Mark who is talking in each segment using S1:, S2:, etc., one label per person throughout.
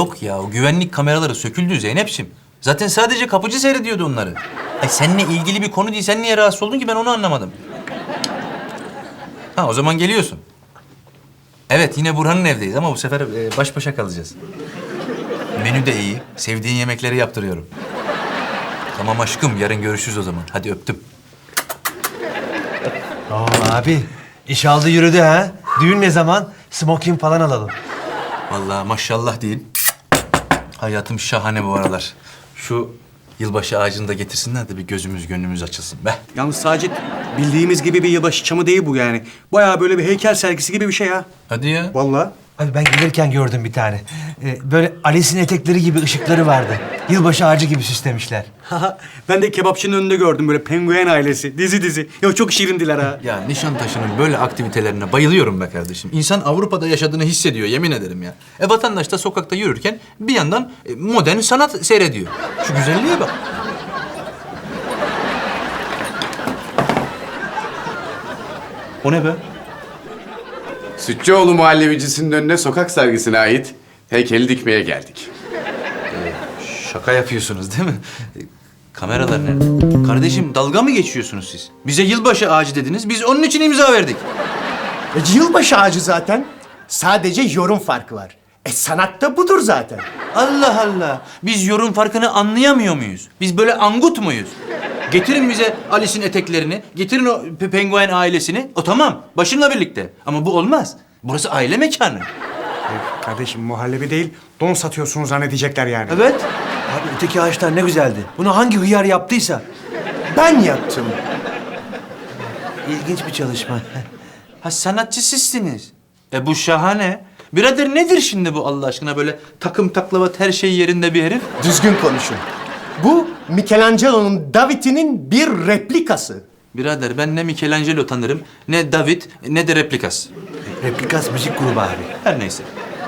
S1: Yok ya, o güvenlik kameraları söküldü Zeynep'ciğim. Zaten sadece kapıcı seyrediyordu onları. Ay seninle ilgili bir konu değil, sen niye rahatsız oldun ki ben onu anlamadım. Ha, o zaman geliyorsun. Evet, yine Burhan'ın evdeyiz ama bu sefer baş başa kalacağız. Menü de iyi, sevdiğin yemekleri yaptırıyorum. Tamam aşkım, yarın görüşürüz o zaman. Hadi öptüm.
S2: Abi, iş aldı yürüdü ha. Düğün ne zaman? Smoking falan alalım.
S1: Vallahi maşallah değil. Hayatım şahane bu aralar. Şu yılbaşı ağacını da getirsinler de bir gözümüz gönlümüz açılsın be.
S3: Yalnız Sacit, bildiğimiz gibi bir yılbaşı çamı değil bu yani. Bayağı böyle bir heykel sergisi gibi bir şey ha.
S1: Hadi ya.
S3: Vallahi.
S2: Abi ben gelirken gördüm bir tane. Böyle Alice'in etekleri gibi ışıkları vardı. Yılbaşı ağacı gibi süslemişler.
S3: Ben de kebapçının önünde gördüm böyle penguen ailesi. Dizi. Ya çok şirindiler ha.
S1: Ya Nişantaşı'nın böyle aktivitelerine bayılıyorum be kardeşim. İnsan Avrupa'da yaşadığını hissediyor, yemin ederim ya. Vatandaş da sokakta yürürken bir yandan modern sanat seyrediyor. Şu güzelliğe bak. O ne be?
S4: Sütçüoğlu Muhallebicisinin önüne sokak sergisine ait heykeli dikmeye geldik.
S1: Şaka yapıyorsunuz değil mi? Kameralar nerede? Kardeşim dalga mı geçiyorsunuz siz? Bize yılbaşı ağacı dediniz, biz onun için imza verdik.
S5: Yılbaşı ağacı zaten. Sadece yorum farkı var. Sanat da budur zaten.
S1: Allah Allah! Biz yorum farkını anlayamıyor muyuz? Biz böyle angut muyuz? Getirin bize Alice'in eteklerini, getirin o penguen ailesini. O tamam, başımla birlikte. Ama bu olmaz. Burası aile mekanı.
S3: Kardeşim muhallebi değil, don satıyorsunuz zannedecekler yani.
S1: Evet.
S2: Abi öteki ağaçlar ne güzeldi. Bunu hangi hıyar yaptıysa.
S5: Ben yaptım.
S2: İlginç bir çalışma.
S1: Ha sanatçı sizsiniz. Bu şahane. Birader nedir şimdi bu Allah aşkına böyle takım taklavat her şey yerinde bir herif?
S5: Düzgün konuşun. Bu Michelangelo'nun David'inin bir replikası.
S1: Birader ben ne Michelangelo tanırım, ne David, ne de Replikas.
S2: Replikas müzik grubu abi.
S1: Her neyse.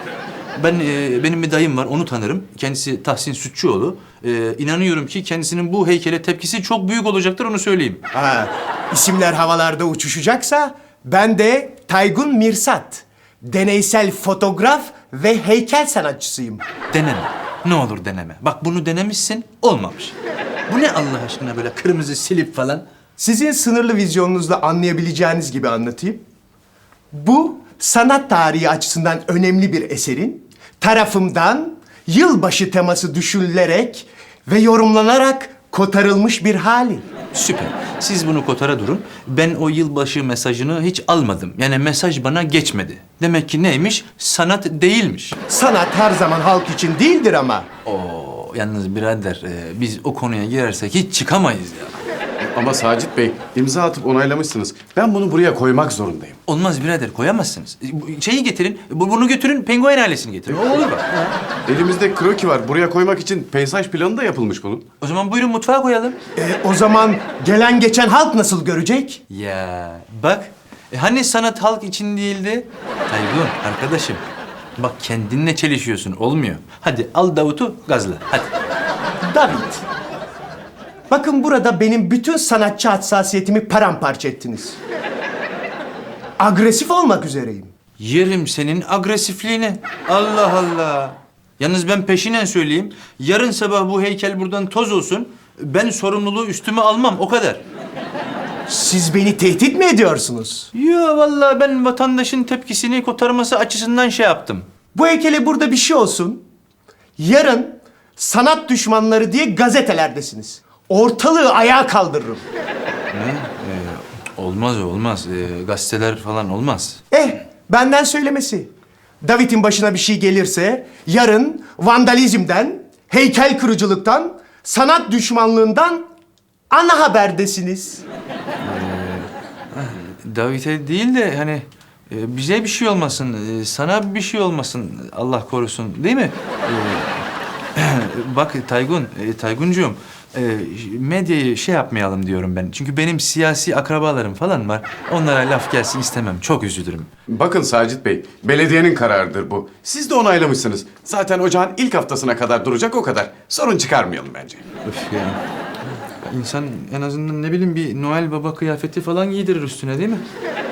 S1: Benim bir dayım var, onu tanırım. Kendisi Tahsin Sütçüoğlu. İnanıyorum ki kendisinin bu heykele tepkisi çok büyük olacaktır, onu söyleyeyim.
S5: Ha, isimler havalarda uçuşacaksa ben de Taygun Mirsat. Deneysel fotoğraf ve heykel sanatçısıyım.
S1: Deneme. Ne olur deneme. Bak bunu denemişsin, olmamış. Bu ne Allah aşkına böyle kırmızı silip falan?
S5: Sizin sınırlı vizyonunuzla anlayabileceğiniz gibi anlatayım. Bu sanat tarihi açısından önemli bir eserin tarafımdan yılbaşı teması düşünülerek ve yorumlanarak kotarılmış bir hali.
S1: Süper. Siz bunu kotara durun. Ben o yılbaşı mesajını hiç almadım. Yani mesaj bana geçmedi. Demek ki neymiş? Sanat değilmiş.
S5: Sanat her zaman halk için değildir ama.
S1: Oo, yalnız birader biz o konuya girersek hiç çıkamayız ya.
S4: Ama Sacit Bey, imza atıp onaylamışsınız. Ben bunu buraya koymak zorundayım.
S1: Olmaz birader, koyamazsınız. Şeyi getirin, bunu götürün, penguen ailesini getirin. O olur bak.
S4: Elimizde kroki var. Buraya koymak için peyzaj planı da yapılmış bunun.
S1: O zaman buyurun mutfağa koyalım.
S5: O zaman gelen geçen halk nasıl görecek?
S1: Ya bak, hani sanat halk için değildi? Taygun arkadaşım, bak kendinle çelişiyorsun, olmuyor. Hadi al Davut'u gazla, hadi.
S5: David. Bakın burada benim bütün sanatçı hassasiyetimi paramparça ettiniz. Agresif olmak üzereyim.
S1: Yerim senin agresifliğini. Allah Allah. Yalnız ben peşinen söyleyeyim. Yarın sabah bu heykel buradan toz olsun. Ben sorumluluğu üstüme almam, o kadar.
S5: Siz beni tehdit mi ediyorsunuz?
S1: Yo vallahi ben vatandaşın tepkisini kotarması açısından şey yaptım.
S5: Bu heykele burada bir şey olsun. Yarın sanat düşmanları diye gazetelerdesiniz. Ortalığı ayağa kaldırırım.
S1: Olmaz olmaz. Gazeteler falan olmaz.
S5: Benden söylemesi. David'in başına bir şey gelirse yarın vandalizmden, heykel kırıcılıktan, sanat düşmanlığından ana haberdesiniz.
S1: David'e değil de hani bize bir şey olmasın, sana bir şey olmasın Allah korusun değil mi? Bak Tayguncuğum, medyayı şey yapmayalım diyorum ben. Çünkü benim siyasi akrabalarım falan var. Onlara laf gelsin istemem. Çok üzülürüm.
S4: Bakın Sacit Bey, belediyenin kararıdır bu. Siz de onaylamışsınız. Zaten ocağın ilk haftasına kadar duracak o kadar. Sorun çıkarmayalım bence.
S1: Öf ya. İnsan en azından ne bileyim bir Noel Baba kıyafeti falan giydirir üstüne değil mi?